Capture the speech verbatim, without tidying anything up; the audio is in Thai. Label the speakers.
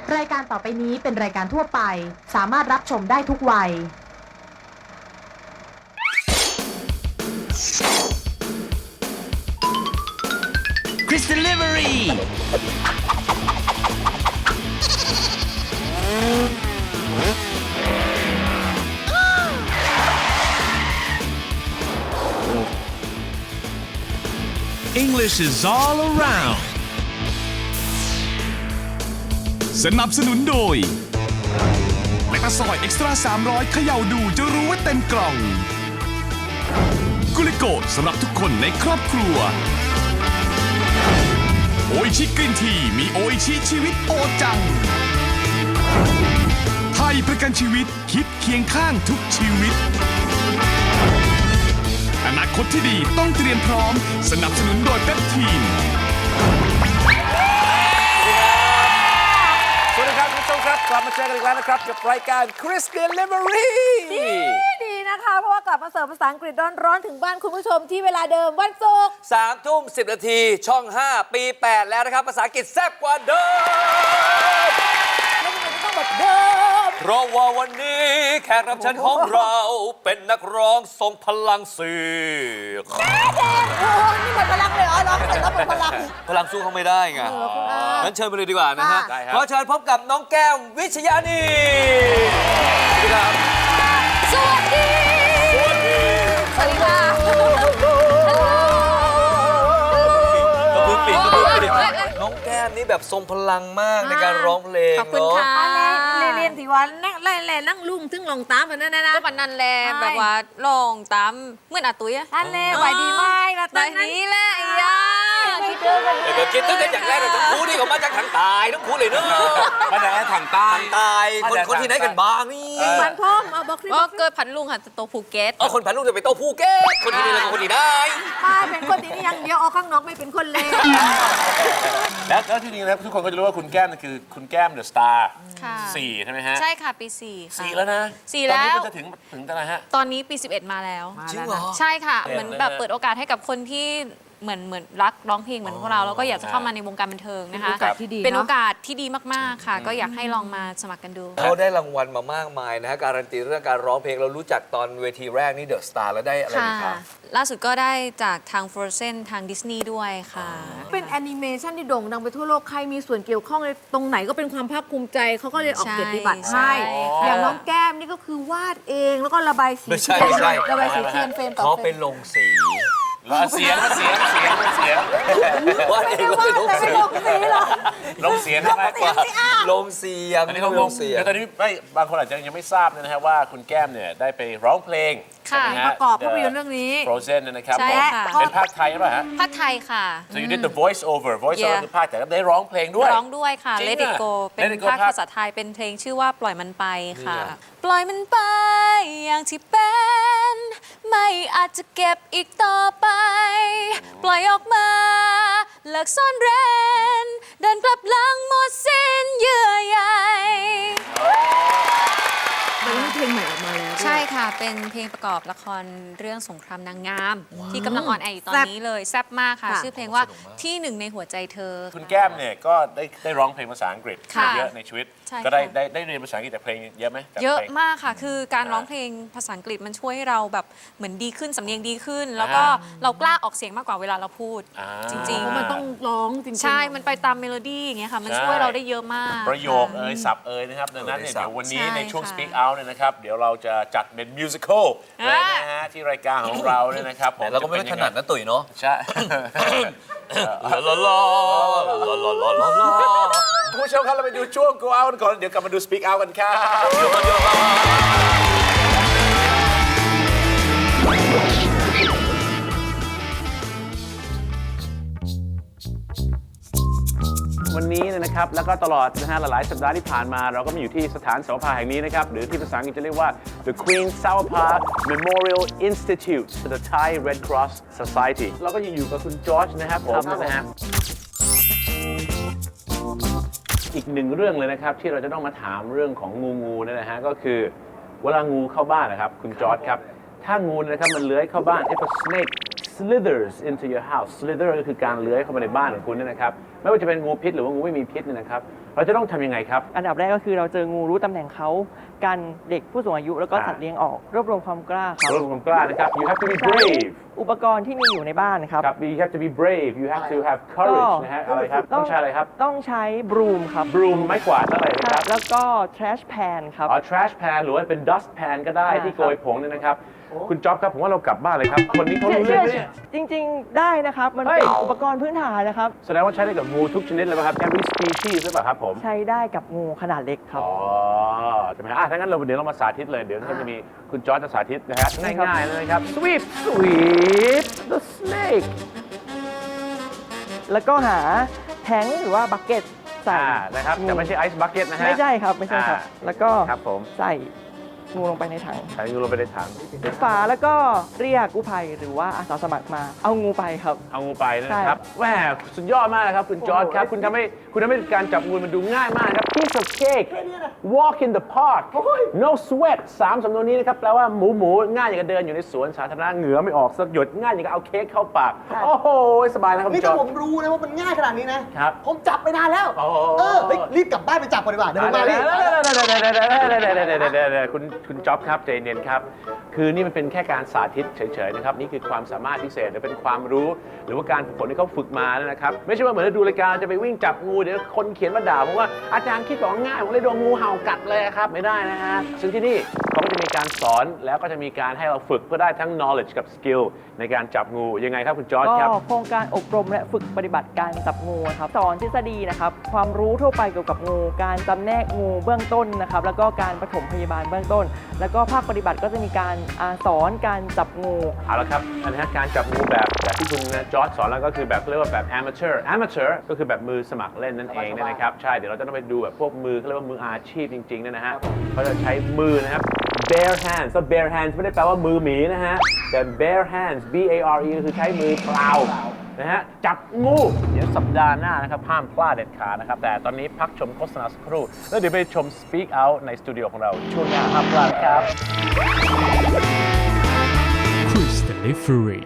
Speaker 1: รายการต่อไปนี้เป็นรายการทั่วไปสามารถรับชมได้ทุกวัย
Speaker 2: คริส Delivery English is all around สนับสนุนโดยแลคตาซอยเอ็กซ์ตร้าสามร้อยเขย่าดูจะรู้ว่าเต็มกล่องกุลิโกสำหรับทุกคนในครอบครัวโออิชิกรีนทีมีโออิชิชีวิตโอจังไทยประกันชีวิตคิดเคียงข้างทุกชีวิตอนาคตที่ดีต้องเตรียมพร้อมสนับสนุนโดยเปปทีน
Speaker 3: สวัสดีครับคุณผู้ชมครับกลับมาเจอกันอีกแล้วนะครับกับรายการ Chris Delivery
Speaker 4: ดีดีนะคะเพราะว่ากลับมาเสิร์ฟภาษาอังกฤษร้อนๆถึงบ้านคุณผู้ชมที่เวลาเดิมวันศุกร์
Speaker 3: สามทุ่มสิบนาทีช่องห้าปีแปดแล้วนะครับภาษาอังกฤษแซ่บกว่าเดิม
Speaker 4: แล้วทำไมต้องแบบเดิม
Speaker 3: เพราะว่าวันนี้แขกรับเชิญของเราเป็นนักร้องทรงพลังเสียง
Speaker 4: แม่เด็กโอ้นี่หมดพลังเลยเหรอร้องเสร็จแล้วหมดพลัง
Speaker 3: พลังสู้เขาไม่ได้ไงงั้นเชิญไปเลยดีกว่านะฮะขอเชิญพบกับน้องแก้มวิชยานีสวัสดีครับ
Speaker 4: สวัสดี
Speaker 3: สวัสดี
Speaker 4: สวัสดีค่ะ
Speaker 3: ก็เพิ่งปิดก็เพิ่งปิดน้องแก้มนี่แบบทรงพลังมากในการร้องเพลง
Speaker 4: ขอบคุณค่ะเรียนที่วันนั่งไล่แล่นั่งลุ่งถึงลงตามแบบนั้นนะ
Speaker 5: ก็ปันนันแลแบบว่าลองตามเหมื่อนอาตุ้ยอะ
Speaker 4: ท่านเล่ไหวดีไหม
Speaker 5: แบบนี้แหละอีอ่ะ
Speaker 3: เดี๋ยวคิดตั้งแต่อย่างแรกเลยทั้งคู่นี่เขามาจากทางตายทั้งคู่เลยเนอะ
Speaker 6: มาจากทางใต้
Speaker 3: ทางตายคนคนที่ไหนกันบ้างนี่
Speaker 4: พันพ่อมเอาบอกที่
Speaker 5: ก็เกิดพันลุงค่ะโตภูเก็ต
Speaker 3: เออคนพันลุงจะไปโตภูเก็ตคนที่นี่เลยคนที่ได้
Speaker 4: ป้าเป็นคนที่นี่ยังเดียวเอาข้างนอกไม่เป็นคนเลว
Speaker 6: แล้วแล้วที่จริงแล้วทุกคนก็จะรู้ว่าคุณแก้มคือคุณแก้มเดอะสตาร์สี่ใช่ไหมฮะ
Speaker 5: ใช่ค่ะปีสี่ค่ะ
Speaker 6: สี่แล้วนะ
Speaker 5: สี่แล้ว
Speaker 6: ตอนนี้ก็จะถึงถึงตอนไหนฮะ
Speaker 5: ตอนนี้ปีสิบเอ็ดมาแล้ว
Speaker 3: จริงเหรอ
Speaker 5: ใช่ค่ะเหมือนแบบเปิดโอกาสให้กับคนที่เหมือนเหมือนรักร้องเพลงเหมือนพวกเราแล้วก็อยากจะเข้ามาในวงการบันเทิงนะคะเป็นโอกาสที่ดีมากๆค่ะก็อยากให้ลองมาสมัครกันดู
Speaker 3: เขาได้รางวัลมามากมายนะฮะการันตีเรื่องการร้องเพลงเรารู้จักตอนเวทีแรกนี่เดอะสตาร์แล้วได้อะไรอีกครับ
Speaker 5: ล่าสุดก็ได้จากทาง Frozen ทางดิสนีย์ด้วยค่ะ
Speaker 4: เป็นแอนิเมชันที่โด่งดังไปทั่วโลกใครมีส่วนเกี่ยวข้องในตรงไหนก็เป็นความภาคภูมิใจเขาก็เลยออกเกียรติบัตรให้อย่างน้องแก้มนี่ก็คือวาดเองแล้วก็ระบายสี
Speaker 3: ไม่ใช่ไม่ใช่
Speaker 4: ระบายสีเทียนเฟรมต่อเฟรม
Speaker 3: เขาเป็นลงสี
Speaker 6: เสียงเสียงเสียงเสียง
Speaker 3: ว่าเองว่าลงสี
Speaker 6: ลงเสียงใช่ไหม
Speaker 3: ลงเสียง
Speaker 6: อันนี้เขาลงเสียงแต่ตอนนี้ไม่บางคนอาจจะยังไม่ทราบนะฮะว่าคุณแก้มเนี่ยได้ไปร้องเพลง
Speaker 4: ประกอบภาพยนตร์เรื่องนี้
Speaker 6: Frozen นะครับ
Speaker 5: ใช่ค่ะ
Speaker 6: เป็นภาคไทยใช่ไหมฮะ
Speaker 5: ภาคไทยค่ะ
Speaker 6: so you did the voice over voice over คือภาคแต่ก็ได้ร้องเพลงด้วย
Speaker 5: ร้องด้วยค่ะ Let It Go เป็นภาคภาษาไทยเป็นเพลงชื่อว่าปล่อยมันไปค่ะปล่อยมันไปอย่างที่เป็นไม่อาจจะเก็บอีกต่อไปปล่อยออกมาเลิกซ่อนเร้นเดินกลับหลังหมดสิ้นเยื่อใย
Speaker 4: มันมีเพลงใหม่ออกมาแล้ว
Speaker 5: ใช่ค่ะเป็นเพลงประกอบละครเรื่องสงครามนางงามที่กำลังออนแอร์อยู่ตอนนี้เลยแซ่บมากค่ะชื่อเพลงว่าที่หนึ่งในหัวใจเธอ
Speaker 6: คุณแก้มเนี่ยก็ได้ได้ร้องเพลงภาษาอังกฤษเยอะในชีวิตก็ได้ได้ได้เรียนภาษาอังกฤษจากเพลงเยอะไหม
Speaker 5: เยอะมากค่ะคือการร้องเพลงภาษาอังกฤษมันช่วยให้เราแบบเหมือนดีขึ้นสำเนียงดีขึ้นแล้วก็เรากล้าออกเสียงมากกว่าเวลาเราพูดจริงๆ
Speaker 4: มันต้องร้องจริงๆ
Speaker 5: ใช่มันไปตามเมโลดี้อย่างเงี้ยค่ะมันช่วยเราได้เยอะมาก
Speaker 6: ประโยคเอ่ยศัพท์เอ่ยนะครับดังนั้นเนี่ยเดี๋ยววันนี้ในช่วง Speak Out เนี่ยนะครับเดี๋ยวเราจะจัดเป็นมิวสิควลเลยนะฮะที่รายการของเราเนี่ยนะครับผม
Speaker 3: เราก็ไม่ได้ถนัดนะตุ๋ยเนาะ
Speaker 6: ใช่ลาลาลาลาลาลาลาคุณผู้ชมครับเราไปดูช่วง Go Out ก่อนเดี๋ยวกลับมาดู Speak Out กันครับวันนี้นะครับแล้วก็ตลอดนะฮะหลายๆสัปดาห์ที่ผ่านมาเราก็มาอยู่ที่สถานสาวภาแห่งนี้นะครับหรือที่ภาษาอังกฤษจะเรียกว่า The Queen Savapha Memorial Institute for the Thai Red Cross Society เราก็ยังอยู่กับคุณจอร์จนะครับผมนะฮะอีกหนึ่งเรื่องเลยนะครับที่เราจะต้องมาถามเรื่องของงูงูนี่นะฮะก็คือเวลางูเข้าบ้านนะครับคุณจอร์จครับถ้างูนะครับมันเลื้อยเข้าบ้าน if a snake slithers into your house slither ก็คือการเลื้อยเข้ามาในบ้านของคุณนี่นะครับไม่ว่าจะเป็นงูพิษหรือว่างูไม่มีพิษเนี่ยนะครับเราจะต้องทำยังไงครับ
Speaker 7: อันดับแรกก็คือเราเจองูรู้ตำแหน่งเขากันเด็กผู้สูงอายุแล้วก็สัตว์เลี้ยงออกรวบรวมความกล้าครับ
Speaker 6: รวมความกล้านะครับ you have to be brave
Speaker 7: อุปกรณ์ที่มีอยู่ในบ้านนะครับ
Speaker 6: ครับ you have to be brave you have to have courage นะฮะอะไรครับต้องใช้อะไรครับ
Speaker 7: ต้องใช้บรูมครับ
Speaker 6: broom ไม้กวาดอะไรนะครับ
Speaker 7: แล้วก็ trash pan ครับ
Speaker 6: อ๋อ trash pan หรือว่าเป็น dust pan ก็ได้
Speaker 7: อ่า
Speaker 6: ที่โกยผงเนี่ยนะครับ คุณจ๊อบครับผมว่าเรากลับบ้านเลยครับ คนนี้เขารู้เรื่องไหมเนี่ย
Speaker 7: จริงๆได้นะครับ มัน
Speaker 6: เฮ้
Speaker 7: เป็น
Speaker 6: ย
Speaker 7: อุปกรณ์พื้นฐานนะครับ
Speaker 6: แสดงว่าใช้ได้กับงูทุกชนิดเลยไหมครับ every species หรือเปล่าครับผม
Speaker 7: ใช้ได้กับงูขนาดเล็กครับ
Speaker 6: อ๋อใช่ไหมฮะอ่ะถ้างั้นเราเดี๋ยวเรามาสาธิตเลย เดี๋ยวเราจะมีคุณจอร์จจะสาธิตนะฮะ
Speaker 7: ใช่ครับ
Speaker 6: ง่ายๆเลยนะครับ sweep sweep the snake
Speaker 7: แล้วก็หาแทงค์หรือว่าบักเก็ตใส่
Speaker 6: อ่านะครับแต่ไม่ใช่ ice bucket นะฮะ
Speaker 7: ไม่ใช่ครับไม่ใช่ครับ
Speaker 6: อ่า
Speaker 7: แล้วก็
Speaker 6: ครับผม
Speaker 7: ใส่งูลงไปในถัง
Speaker 6: ใช้งูลงไปในถัง
Speaker 7: ปิดฝาแล้วก็เรียกกู้ภัยหรือว่าอาสาสมัครมาเอางูไปครับ
Speaker 6: เอางูไปนะครับ
Speaker 7: ใช่
Speaker 6: แหมสุดยอดมากนะครับคุณจอร์จครับ คุณทำให้คุณทำให้การจับงูมันดูง่ายมากครับ piece of cake walk in the park no sweat สามสำนวนนี้นะครับแปลว่าหมูหมูง่ายอย่างกับเดินอยู่ในสวนสาธารณะเหงื่อไม่ออกสักหยดง่ายอย่างกับเอาเค้กเข้าปาก โอ้โห สบายนะครับคุ
Speaker 8: นี่
Speaker 6: ณจอ
Speaker 8: ถ้า
Speaker 6: ร์จ
Speaker 8: ผมรู้นะว่ามันง่ายขนาดนี้นะ
Speaker 6: ครับ
Speaker 8: ผมจับไปนานแล้ว
Speaker 6: โอ้โห
Speaker 8: เออเฮ้ยรีบกลับบ้านไปจับก่อนดีกว่า เดี๋ยวผมมารีบ
Speaker 6: คุณคุณจ๊อบครับใจเย็นครับ คือนี่มันเป็นแค่การสาธิตเฉยๆนะครับนี่คือความสามารถพิเศษหรือเป็นความรู้ หรือว่าการฝึกฝนที่เขาฝึกมานะครับไม่ใช่ว่าเหมือนดูรายการจะไปวิ่งจับงูเดี๋ยวคนเขียนมาด่าผมว่าอาจารย์คิดบอกง่ายผมเลยโดนงูเห่ากัดเลยครับไม่ได้นะฮะซึ่งที่นี่เขาก็จะมีการสอนแล้วก็จะมีการให้เราฝึกเพื่อได้ทั้ง knowledge กับ skill ในการจับงูยังไงครับคุณจอร์จ
Speaker 7: ก็
Speaker 6: ครับ
Speaker 7: โครงการอบรมและฝึกปฏิบัติการจับงูนะครับสอนทฤษฎีนะครับความรู้ทั่วไปเกี่ยวกับงูการจำแนกงูเบื้องต้นนะครับแล้วก็การปฐมพยาบาลเบื้องต้น แล้วก็ภาคปฏิบัติก็จะมีการอาสอนการจับงู
Speaker 6: เอาละครับอันนี้การจับงูแบบแบบที่คุณจอร์จสอนแล้วก็คือแบบเรียกว่าแบบ amateur amateur ก็คือแบบมือสมัครเล่นนั่นเองเนยนะครับใช่เดี๋ยวเราจะต้องไปดูแบบพวกมือเขาเรียกว่ามืออาชีพจริงๆเนี่ยนะฮะเขาจะใช้มือนะครับ bare hands ก็ bare hands ไม่ได้แปลว่ามือหมีนะฮะแต่ bare hands b a r e ก็คือใช้มือเปล่านะฮะจับงูเดี๋ยวสัปดาห์หน้านะครับห้ามพลาดเด็ดขาดนะครับแต่ตอนนี้พักชมโฆษณาสักครู่แล้วเดี๋ยวไปชม speak out ในสตูดิโอของเราช่วงหน้าห้ามพลาดครับ
Speaker 9: Cruise Delivery